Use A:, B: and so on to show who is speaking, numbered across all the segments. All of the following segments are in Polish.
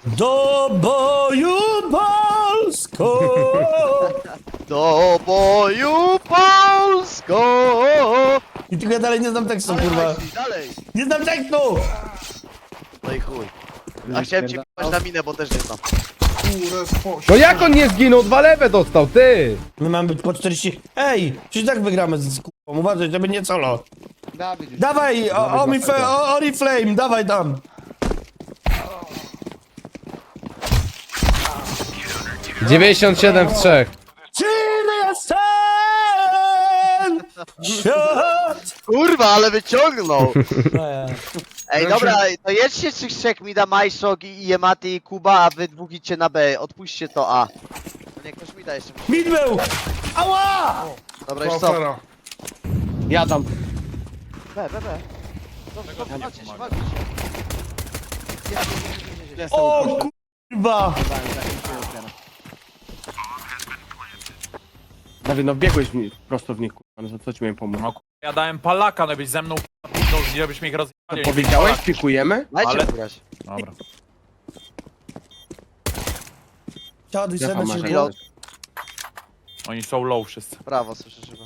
A: Do boju Polsko!
B: Do boju Polsko!
A: I tylko ja dalej nie znam tekstu, kurwa.
B: Dalej!
A: Nie znam tekstu!
B: No i chuj. A chciałem cię p***ać na minę, bo też nie znam.
C: No jak on nie zginął? 2 lewe dostał, ty!
A: My mamy być po 40... Ej! Przecież tak wygramy z kurwą, uważaj, żeby nie solo.
C: Dawid już.
A: Dawaj, Oriflame, dawaj tam!
C: 97 w 3.
A: Czym jestem? Świat!
B: Kurwa, ale wyciągnął!
A: E,
B: Ej, dobra, to jedźcie trzech mi da Majszok i Yematy i Kuba, a wy dwóch idźcie na B. Odpuśćcie to A. No nie, ktoś mi da jeszcze.
A: Mid był! Ała!
B: Dobra, już co?
C: Ja tam.
B: B. Dobrze, walcie się, walcie się.
A: O kurwa!
C: Dawid, no biegłeś mi prosto w nich, kurwa, no co ci miałem pomóc?
D: No ja dałem palaka, no byś ze mną żebyś mi ich rozjechali.
C: Powiedziałeś, pikujemy?
B: Dajcie
D: Ale-
B: grać.
D: Dobra.
A: Siadaj
C: Ja
A: sobie
C: mam
A: się
C: marzenę.
B: Pilot.
D: Oni są low wszyscy.
B: Brawo, słyszysz chyba.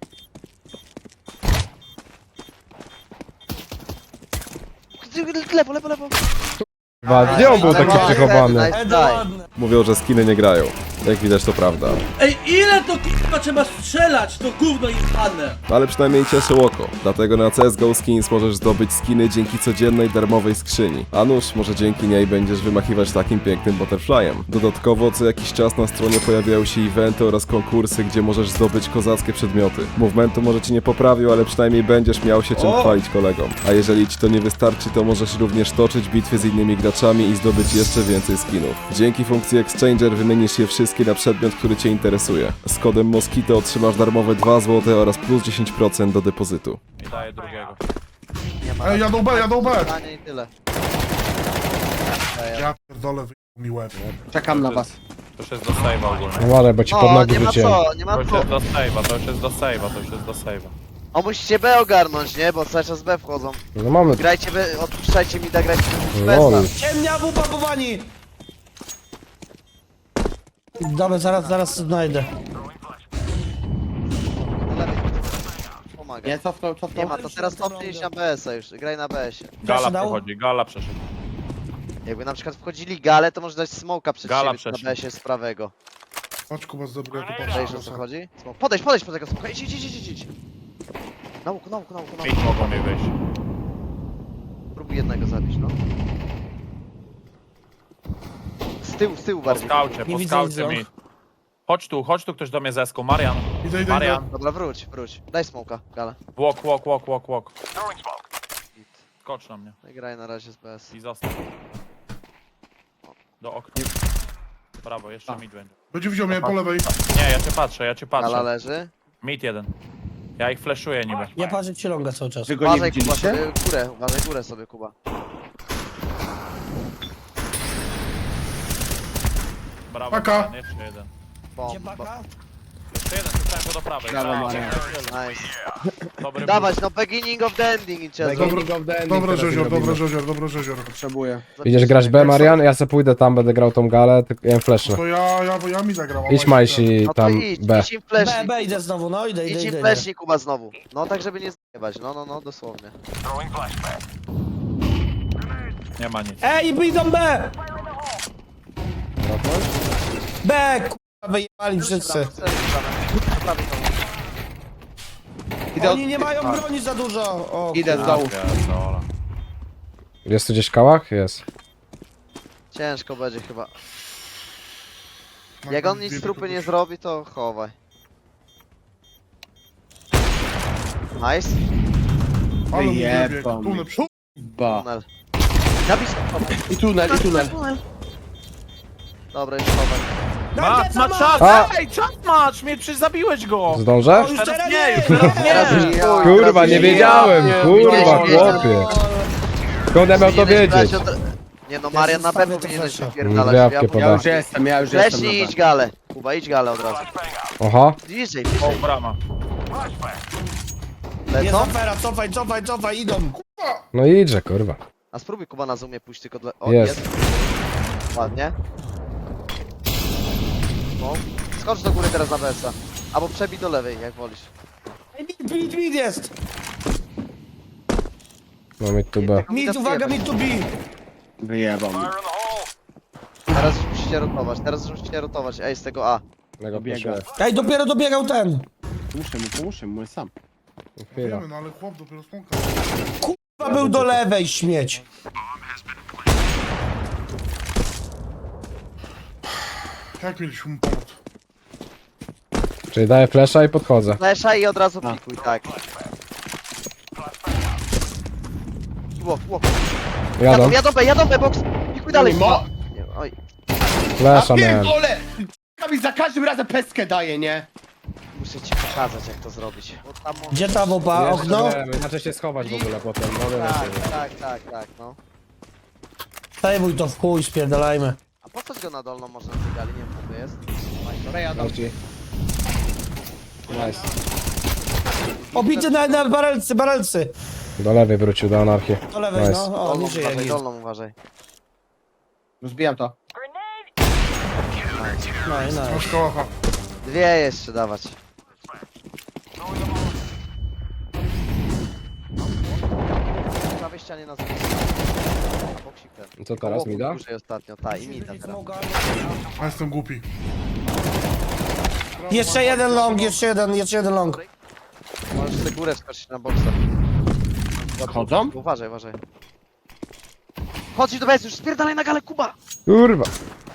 B: Lewo.
C: Gdzie on był taki przechowany?
E: Mówią, że skiny nie grają. Jak widać to prawda.
F: Ej, ile to k***a trzeba strzelać, to gówno jebane!
E: Ale przynajmniej cieszy oko. Dlatego na CSGO Skins możesz zdobyć skiny dzięki codziennej darmowej skrzyni. A nuż, może dzięki niej będziesz wymachiwać takim pięknym butterflyem. Dodatkowo co jakiś czas na stronie pojawiają się eventy oraz konkursy, gdzie możesz zdobyć kozackie przedmioty. Movementu może ci nie poprawił, ale przynajmniej będziesz miał się czym chwalić kolegom. A jeżeli ci to nie wystarczy, to możesz również toczyć bitwy z innymi graczami i zdobyć jeszcze więcej skinów. Dzięki funkcji Exchanger wymienisz je wszystkie na przedmiot, który cię interesuje. Z kodem Moskito otrzymasz darmowe 2 zł oraz plus 10% do depozytu.
D: I daję drugiego.
G: Ej, jadą B!
B: Zdanie i tyle.
G: Ja pierdolę, wyjął mi łeb.
C: Czekam na was.
D: To już jest do save'a ogólnie.
C: Uważaj, bo ci pod
B: No,
C: nogi
B: nie ma
C: wróciłem.
B: co, nie
D: To
B: ma
D: już
B: co.
D: jest do save'a, to już jest do save'a, to już jest do save'a.
B: O, musicie B ogarnąć, nie? Bo cały czas B wchodzą.
C: No mamy.
B: Grajcie B, odpuszczajcie mi da grać
C: Lol.
B: bez
A: Ciemnia w upakowani! Dobra, zaraz znajdę.
B: Pomaga.
C: Nie, cofnął.
B: Nie ma, to teraz cofnij iść na BS-a już, graj na BS-ie.
D: Gala
A: dał?
D: przechodzi, gala przeszedł.
B: Jakby na przykład wchodzili gale, to może dać smoka przed
D: Gala
B: siebie
D: przeszli.
B: na BS-ie z prawego.
G: Chodź Kuba, zdobył, ja tu
B: Wiesz o
G: patrzę.
B: co chodzi? Smok. Podejdź po tego smoka, idź. Na łuku.
D: Mid mogą mi wyjść.
B: Próbuj jednego zabić, no. Z tyłu
D: Po
B: bardziej.
D: skaucie,
A: Nie
D: po
A: widzę
D: skaucie
A: nic,
D: mid. Chodź tu ktoś do mnie zesku. Marian.
G: Idę.
D: Marian.
B: Dobra, wróć. Daj smoka, gale.
D: Walk. Skocz na mnie
B: No i graj na razie z BS.
D: i zostaw. Do okna. Brawo, jeszcze mid będzie.
G: Będzie widział mnie po lewej.
D: Nie, ja cię
B: Gala
D: patrzę.
B: leży.
D: Mid jeden. Ja ich flashuję niby.
A: Ja patrzę ci longa cały czas.
C: Wy go nie
B: Uważaj Kuba
C: widzieliście?
B: sobie górę, uważaj górę sobie Kuba.
D: Brawo,
G: Paka.
D: Marian, jeszcze jeden.
A: Gdzie
B: Bomba.
A: baka?
D: Jeszcze jeden, zostałem go do prawej.
C: Brawo,
D: Brawo,
C: Marian.
B: Nice.
D: Dobry
B: Dawać, no beginning of the ending i cię
G: Dobra, Rzezior.
C: Potrzebuję.
H: Idziesz grać B, Marian? Ja se pójdę tam, będę grał tą galę, tylko ja flashnę.
G: To ja mi zagram.
H: Idź Majsi
B: No to
H: tam
B: idź,
H: B.
B: idź im flashnik.
A: B, idę znowu, no idę.
B: Idź im flashnik Kuba znowu. No tak żeby nie zjebać, no, dosłownie.
D: Nie ma nic.
A: Ej, idą B! B, kurwa, wyjebali wszyscy. Oni nie mają broni za dużo. O,
C: Idę z dołu.
D: Pierdolę.
H: Jest tu gdzieś kałach? Jest.
B: Ciężko będzie chyba. Jak on nic z trupy nie zrobi, to chowaj. Nice.
G: Ale mi
C: Wyjebał
G: wybiegł.
C: mi.
G: Tunel przód.
C: Ba.
B: Tunel. Zabij smoka.
C: I tunel.
B: Dobra, już chowaj.
D: Ma czas!
H: A!
D: Ej, czas masz! Mnie przecież zabiłeś go!
H: Zdążę?
A: już
D: Teraz
A: teraz
D: nie,
A: nie!
D: już teraz
B: Teraz
D: nie!
B: już chuj,
H: Kurwa,
B: teraz
H: nie
B: już
H: wiedziałem, kurwa,
B: Nie,
H: chłopie. Skąd ja miał to
B: Powinieneś brać
H: wiedzieć?
B: Nie no, Marian na
A: zostawię
B: pewno
A: te
B: powinieneś
A: flesze.
B: wypierdalać.
H: Gwiazdkę
B: Ja
H: podam.
C: Ja już jestem
B: Fleśnij
C: na
B: idź galę. Kuba, idź galę od razu.
H: Oho.
B: Bliżej.
D: O, brama.
A: Jest
B: Lecą?
A: afera, cofaj, idą.
H: No idźże, kurwa.
B: A spróbuj Kuba na zoomie pójść tylko dla... O,
H: Jest.
B: jest. Ładnie. No. Skocz do góry teraz na BS-a. Albo przebij do lewej, jak wolisz.
A: Mid jest!
H: No mi tu B.
A: Mid, uwaga, mid to B!
I: Wyjebał mnie.
B: Teraz już musicie rotować. Ej, z tego A.
H: Mega
I: Dobiega.
H: proszę.
A: Ej, dopiero dobiegał ten!
I: Pomóżmy mu, sam.
H: Chwila.
G: Wiemy, no ale chłop dopiero smoka.
A: Chyba był do lewej, śmieć.
G: Jak mieliśmy mu pomóc?
H: Czyli daję flasha i podchodzę.
B: Flesza i od razu pikuj, tak. Łok.
H: Jadą.
B: Jadą B, box. Pikuj dalej.
I: Mo-
B: Nie, oj.
H: Flasha miałem.
I: Pierdolę! Mi za każdym razem peskę daje, nie?
B: Muszę ci pokazać, jak to zrobić. Bo tam może...
A: Gdzie ta wopa? Okno?
H: Inaczej się schować w ogóle potem.
B: No.
A: Zajmuj to w chuj, spierdalajmy.
B: A po co go na dolną można zbiegać? Nie wiem, co to jest.
H: Nice.
A: Obity na barelcy.
H: Do lewej wrócił, do anarchii.
A: Do lewej,
H: Nice.
A: no. O, nie żyje.
B: Dolną uważaj.
I: Rozbijam to.
A: No i no.
G: Masz kałacha.
B: Dwie jeszcze dawać. W prawej ścianie na zewnątrz. Boksik ten.
H: Co teraz, mi da?
B: Dłużej ostatnio, ta i mida teraz.
G: A jestem głupi.
A: Jeszcze jeden long, jeszcze jeden long.
B: Możesz sobie górę wskoczyć na boksa.
I: Chodzą?
B: Uważaj. Chodź do bez, już spierdalaj na galę, Kuba!
H: Kurwa.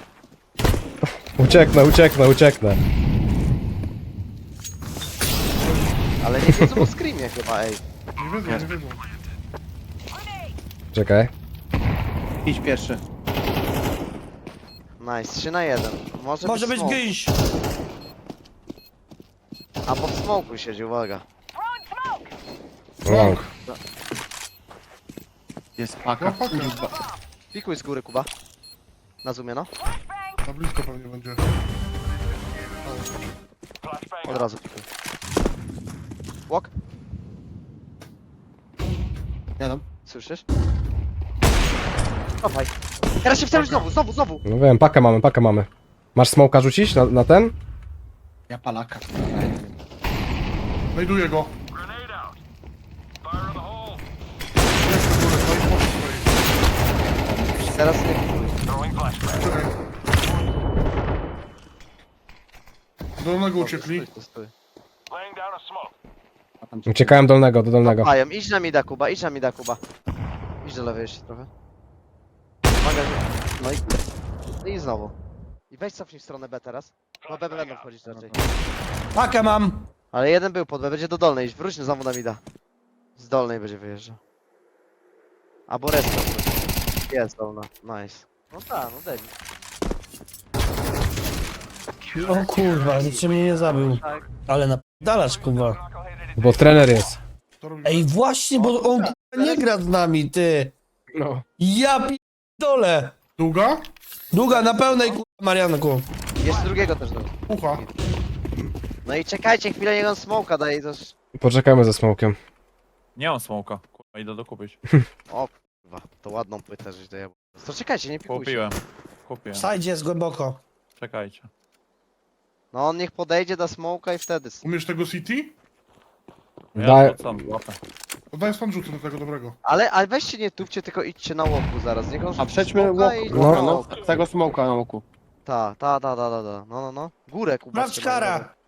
H: Ucieknę.
B: Ale nie wiedzą o screamie chyba, ej.
G: Nie wiedzą.
H: Czekaj.
I: Idź pierwszy.
B: Nice, 3 na 1.
A: Może być
B: smoke.
A: gęś.
B: A pod smoku siedzi, uwaga.
H: Long.
I: Jest paka.
G: No, paka.
I: Kurwa.
B: Pikuj z góry, Kuba. Na zoomie, no.
G: Na blisko pewnie będzie.
B: Od razu pikuj. Walk,
I: Jadą.
B: słyszysz? Dawaj. Teraz się wstawisz znowu.
H: No wiem, pakę mamy. Masz smoka rzucić na ten?
I: Ja palaka.
G: Znajduję go.
B: Teraz nie pikuj.
G: Czekaj. Do dolnego uciekli.
B: Stój.
H: Uciekałem do dolnego.
B: Pajem, idź na mida, Kuba. Idź do lewej jeszcze trochę. Uwaga, no i znowu. I weź cofnij w stronę B teraz. No B będą wchodzić raczej.
A: Pakę mam.
B: Ale jeden był pod B, będzie do dolnej iść. Wróć znowu na mida. Z dolnej będzie wyjeżdżał. Albo reszta. Jest dolna, nice. No tak, no debil.
A: O kurwa, niczym mnie nie zabił. Ale napierdalasz, kurwa.
H: Bo trener jest.
G: To robi
A: Ej, właśnie, bo on kurwa nie gra z nami, ty.
H: No.
A: Ja pierdolę.
G: Długa?
A: Długa na pełnej, kurwa, Marianku.
B: Jeszcze drugiego też do.
G: Ucha.
B: No i czekajcie chwilę, niech on smoka daje i to już...
H: Poczekajmy ze smokiem.
D: Nie mam smoka. Kurwa, idę dokupić.
B: O kurwa, to ładną płytę żeś dojebał. To czekajcie, nie pikujcie.
D: Kupiłem.
A: W sajdzie jest głęboko.
D: Czekajcie.
B: No on niech podejdzie do smoka i wtedy...
G: Umiesz tego City?
D: Ja
H: Daj.
D: wracam, łapę.
G: Oddaję stan rzutu do tego dobrego.
B: Ale weźcie nie tupcie, tylko idźcie na łoku zaraz. Niech on
I: A
B: rzuci
I: przejdźmy
B: smoka
I: łok.
B: i-
I: No, no. Tego smoka na oku.
B: Ta. No. Górę, Kuba.
A: Sprawdź
B: trzymaj,
A: kara.
B: dobra.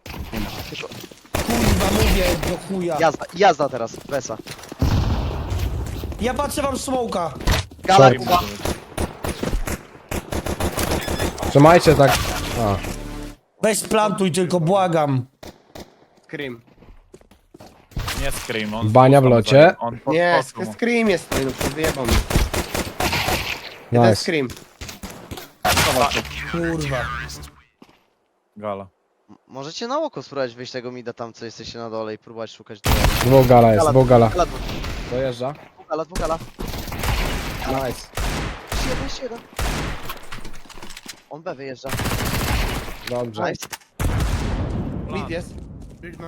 A: Kurwa, mówię do chuja.
B: Jazda teraz, Besa.
A: Ja patrzę wam smoka.
B: Gala,
H: Short.
B: Kuba.
H: Trzymajcie tak. A.
A: Weź splantuj tylko, błagam.
I: Scream.
D: Nie scream, on...
H: Bania w locie.
D: On
I: Nie,
D: podskoczył.
I: scream jest tutaj, no wyjebał mnie. Jeden
H: Nice.
I: scream.
A: Kurwa.
D: Gala.
B: Możecie na oko spróbować wyjść tego mida tam, co jesteście na dole i próbować szukać.
H: Dwóch gala jest, dwóch gala.
B: Gala,
H: Dojeżdża.
B: dwóch gala.
H: Nice.
B: Jeszcze jeden. On B wyjeżdża.
H: Dobrze.
B: Nice.
I: Mid jest.
G: Biegnę.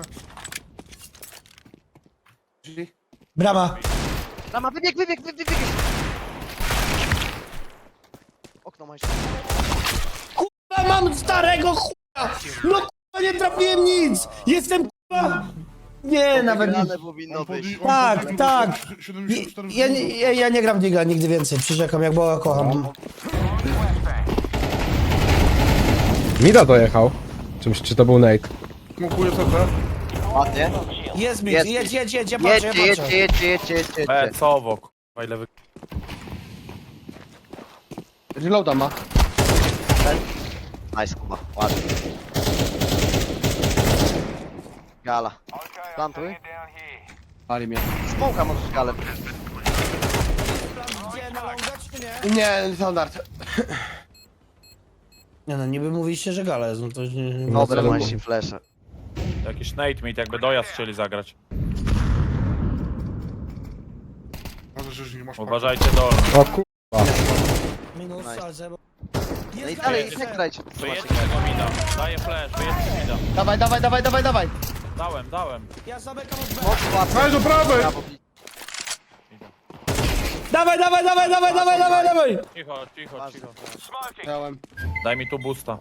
I: Drzwi.
A: Brama.
B: Rama, wybieg. okno Majszok.
A: Kurwa, mam starego chuja! No kurwa, nie trafiłem nic! Jestem kurwa... Nie, nawet nie...
B: Wygrane powinno być.
A: Tak, tak.
G: 74
A: Ja nie gram Digla nigdy więcej, przyrzekam, jak Boga kocham.
H: Mida dojechał. Czymś, czy to był Nate?
G: Smokuję CT.
B: Ładnie.
A: Jest mi,
B: Jest.
A: jedź, ja patrzę,
B: Jedźcie.
D: Becowo, kurwa, ile wy...
I: Reloada ma.
B: Nice, Kuba. Ładnie. Gala. Plantuj.
I: Pali mnie.
B: Smoka możesz galę.
A: Gdzie, na longa, czy nie?
I: Nie, standard.
A: Nie no, niby mówiliście, że gala jest, no to nie...
B: Dobre
H: co
B: Majsi flesze.
D: Jakiś nate meet, jakby dojazd chcieli zagrać.
G: Ale że nie masz
D: Uważajcie dolny.
H: O kur...
A: Minus,
B: Nice.
A: ale zero.
B: No i dalej, nie grajcie.
D: Wyjedźcie tego mida. Daję flash, wyjedźcie mida.
I: Dawaj.
D: Dałem.
A: Ja zamykam od B.
B: Moc łatwo.
G: Daj do prawej!
B: Brawo.
A: Dawaj!
D: Cicho.
I: Miałem.
D: Daj mi tu boosta.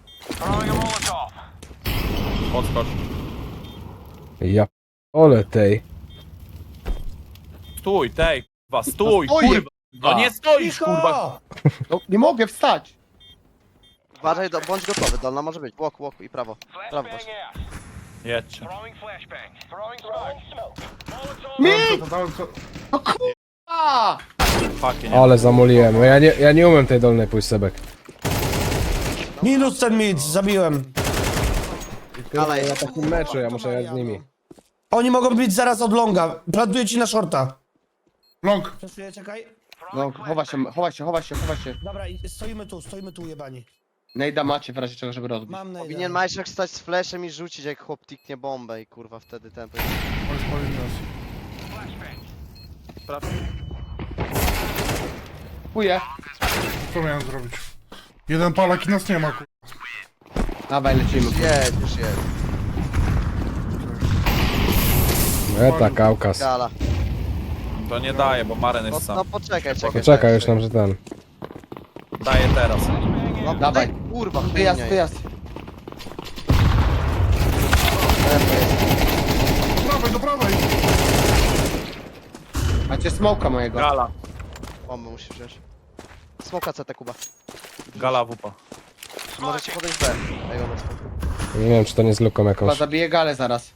D: Podskocz.
H: Ja... Ole tej.
D: Stój, tej, kurwa, stój,
I: No stoję,
D: kurwa. No nie stoisz, kurwa.
A: Cicho!
I: No, nie mogę wstać.
B: Uważaj, bądź gotowy, dolna może być. Łoku i prawo. Prawo właśnie.
D: Jedźcie.
G: Dałem co...
I: A!
D: Fucking nie.
H: Ale zamoliłem. No ja nie umiem tej dolnej pójść sebek.
A: Minus ten mid, zabiłem.
B: Ale
H: Ja takim meczu, ja muszę grać z nimi.
A: Oni mogą być zaraz od longa. Plantuję ci na shorta.
G: Long.
A: Przesuję, czekaj.
I: No, chowa się.
A: Dobra, stoimy tu, jebani.
I: Nejda macie w razie czego, żeby rozbić.
A: Mam na
B: powinien Majszak stać z flashem i rzucić jak chłop tiknie bombę i kurwa wtedy ten...
G: Oj, spalili nas.
I: Kupuję.
G: Co miałem zrobić? Jeden palak i nas nie ma, kurwa.
I: Dawaj, lecimy.
B: Już jest.
H: Eta, Kaukaz.
B: Gala.
D: To nie daje, bo Maren
B: No,
D: jest sam.
B: no poczekaj.
H: Poczekaj już nam, że ten.
D: Daję teraz.
B: No,
I: Dawaj.
B: daj, kurwa,
I: Wyjazd.
G: Do prawej!
I: Macie smoka mojego.
D: Gala.
B: Bombę musisz wziąć. Smoka CT, Kuba.
D: Gala wupa.
B: Możecie podejść B. Daj go na smoka.
H: Nie wiem, czy to nie z luką
I: Kuba
H: jakąś.
I: zabije galę zaraz.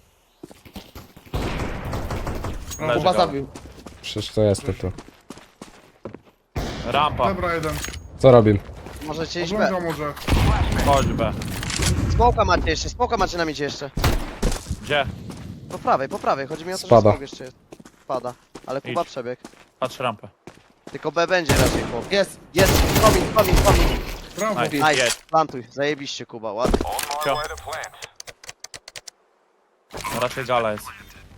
D: Leży
I: Kuba
D: gala.
I: zabił.
H: Przecież to jest to tu.
D: Rampa.
G: Dobra, jeden.
H: Co robimy?
B: Możecie iść B.
G: Ogląda może.
D: Chodź B.
B: Smoka macie na midzie jeszcze.
D: Gdzie?
B: Po prawej. Chodzi mi o to,
H: Spada.
B: że smok jeszcze jest. Spada. Ale Kuba
D: Idź.
B: przebieg.
D: Patrz rampę.
B: Tylko B będzie raczej chłop.
I: Jest.
B: Jest, komin.
G: Brawo.
D: Nice.
B: Nice,
D: Jedź.
B: plantuj. Zajebiście Kuba, ładnie.
D: Cio. No raczej gala jest.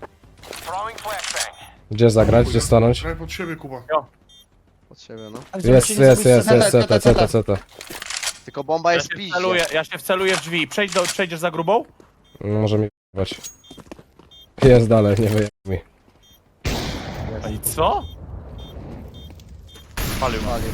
H: Gdzie zagrać? Gdzie stanąć?
G: Graj pod siebie, Kuba.
B: Od siebie, no.
A: A gdzie byście nie
H: Jest,
A: zrobili
H: CT.
B: Tylko bomba
D: Ja
B: jest
D: się
B: piździe.
D: wceluję w drzwi. Przejdziesz za grubą?
H: No, może mi wyjebać. Jest dalej, nie wyjebaj mi.
D: A i co? Palił.
B: Palił.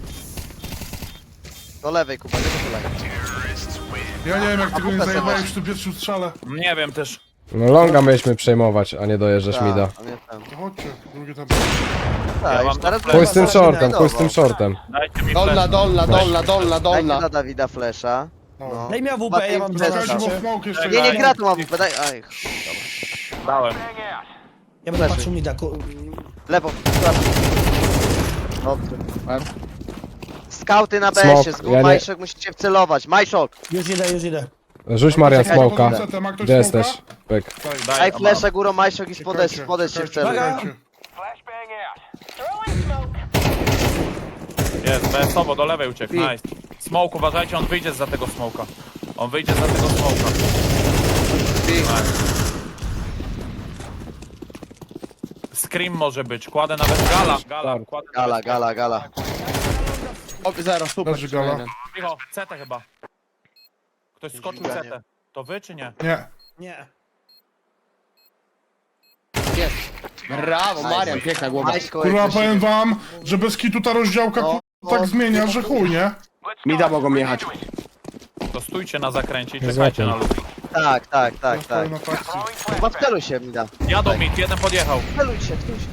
B: Do lewej Kuba, nie do lewej.
G: Ja nie wiem, jak tego nie
B: kupę
G: zajebałeś
B: sobie
G: w tym pierwszym strzale.
D: Nie wiem też.
H: No longa mieliśmy przejmować, a nie dojeżdżasz mida.
B: Tak, a nie ten.
G: To chodźcie, drugie tam.
D: Ja
B: Tak,
D: mam
B: już teraz
D: to
H: Pójdź z tym
B: zaraz
H: shortem,
B: będzie
H: pójdź z tym
B: wiadomo.
H: shortem.
D: Dajcie mi
I: Dolna,
D: flash.
I: dolna.
B: Dajcie na Dawida flesza.
G: No.
A: Daj mi AWP, ja mam
B: Czekajcie,
G: Czekajcie, bo
A: 12.
G: smoke jeszcze
D: Nie,
B: Nie, nie
G: jest.
B: gra tu mam, daj. Aj,
D: Dałem.
A: Ja będę patrzył mida.
B: lewo. Dobrze.
I: Łeb.
B: Skauty na
H: Smok,
B: BS-ie,
H: ja nie-
B: Majszok musicie wcelować. Majszok!
A: Już idę.
H: Rzuć Marian
B: Czekajcie,
H: smoka.
G: CT, ma ktoś
H: Gdzie
G: smoka?
H: jesteś? Pyk.
B: Daj flesza górą Majszok i spodes się wceluj.
D: Jest, BS-owo, do lewej uciekł, nice. Smoke, uważajcie, on wyjdzie za tego smoka. On wyjdzie za tego smoka. Nice. Scream może być, kładę nawet gala. Kładę nawet
B: Gala.
I: O, zero, super.
G: Leży gala.
I: jeden.
D: Cicho, CT chyba. Ktoś skoczył CT. To wy czy nie?
G: Nie.
A: Nie.
I: Jest. Brawo, Marian, piękna głowa.
B: Majszko,
G: Kurwa,
B: jak
G: powiem wam, że bez kitu ta rozdziałka,
B: No.
G: tak zmienia, że chuj, nie?
I: Mida mogą jechać.
D: To stójcie na zakręcie i
H: Nie
D: czekajcie na
H: złapię.
D: luz.
B: Tak, tak, tak,
G: Stoję
B: tak.
G: na fakcji.
B: Chyba wceluj się mi da.
D: Jadą mit, jeden podjechał.
B: Wceluj się.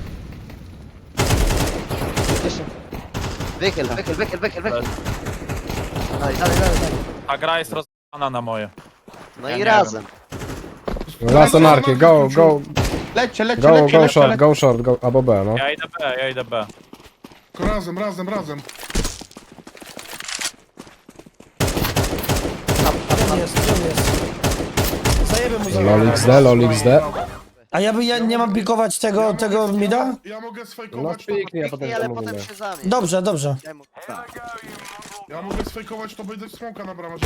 B: Jeszcze. Wychyl. Dalej.
D: A gra jest rozpana na moje.
B: No
D: Ja
B: i
D: nie
B: razem.
H: Last anarchy, go,
I: Lećcie.
H: go short, go, albo B, no.
D: Ja idę B.
G: Tylko razem.
A: Gdzie jest? Zajebę mu za...
H: Lol XD.
A: A ja nie mam pikować tego mida?
G: Ja mogę
H: No
G: sfejkować,
H: piknij, a potem
B: Piknij, ale
H: to
B: potem
H: mówimy.
B: się zamień.
A: Dobrze.
G: ja mogę sfejkować, to będzie smoka na bramę.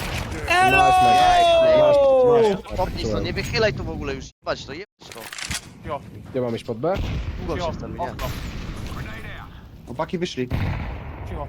B: Popnij to, nie wychylaj tu w ogóle już. Jebać to, jebać to.
D: Cicho,
H: Gdzie mam iść pod B?
B: Długo
D: cicho.
B: się wceluje, nie.
D: Okno,
I: Chłopaki wyszli.
D: cicho.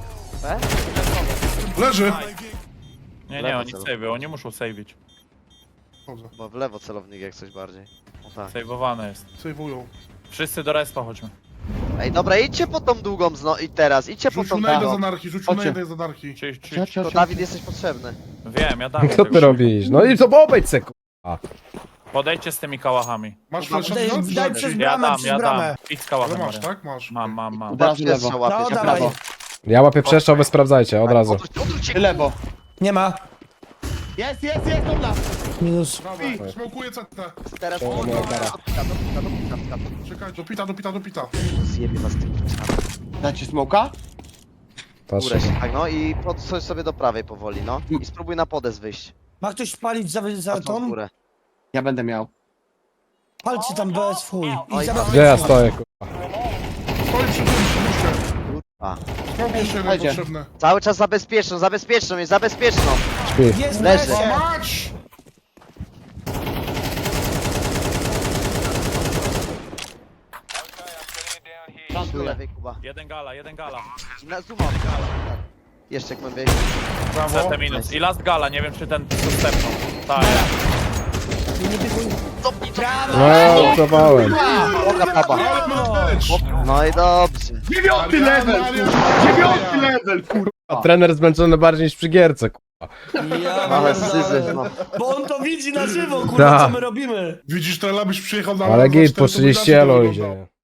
G: Leży!
D: Nie,
B: Lewo
D: oni
B: celu.
D: save'y, oni muszą save'ić.
G: Chodzę.
B: Bo w lewo celownik jak coś bardziej. O tak.
D: Save'owane jest.
G: Sejwują.
D: Wszyscy do respa chodźmy.
B: Ej, dobra, idźcie po tą długą i teraz, idźcie po
G: Rzucił
B: tą
G: najdę z
B: długą.
G: anarchii, z anarchii.
B: To Dawid jesteś potrzebny.
D: Wiem, ja dam.
H: Co ty robisz? No i to obejdź se, k***a.
D: Podejdźcie z tymi kałachami.
G: Masz flasza?
A: Daj przez
D: Ja
A: bramę,
D: dam,
A: przez
D: ja dam.
A: bramę.
D: Idź z
G: Ale
D: kałachem,
G: masz,
D: Maria.
G: tak? Masz.
D: Mam.
B: Kuba
I: razu
B: pierwsza
I: lewo.
B: łapie.
A: No,
B: cię
A: dawaj.
B: prawo.
H: Ja łapię przeszczał, wy sprawdzajcie, od razu.
B: Odwróć się,
I: Lewo.
A: Nie ma.
I: Jest, dobra.
A: Minus.
G: Brawo, smokuję CT.
B: teraz.
H: O, no, dobra.
G: Czekaj, do pita.
B: Zjebie was tym czasami.
I: Dajcie smoka?
H: Patrz.
B: Górę się, tak, no i podsuń sobie do prawej powoli, no. I spróbuj na podes wyjść.
A: Ma ktoś palić za
B: Patrz w
A: tą?
B: górę.
I: Ja będę miał.
A: Palcie tam bez chuj.
B: Oj,
A: I za
H: Gdzie ja stoję, k***a?
G: Stoi przy tym, przypuśćcie.
B: A.
G: Smok jeszcze jeden
I: Dajcie.
G: potrzebny.
B: Cały czas zabezpieczną, jest zabezpieczną.
H: Śpi.
A: Jest
B: Leży.
A: leży.
G: Mać!
B: Do lewej, Kuba.
D: Jeden gala.
B: I na zooma. Jeszcze głębiej.
G: Brawo.
D: CT minus. I last gala, nie wiem czy ten dostępną. Tak.
H: No, cofałem.
B: Boga baba. No i dobrze.
G: 9 level!
I: 9 level, kurwa.
H: A trener zmęczony bardziej niż przy gierce, k***a.
B: Ale syzyf, no.
A: Bo on to widzi na żywo, kurwa,
H: Da.
A: co my robimy.
G: Widzisz, to byś przyjechał na
H: Ale
G: na
H: git,
G: cztery,
H: poszliście
G: to by
H: elo
G: inaczej to
H: idzie.
G: wyglądało.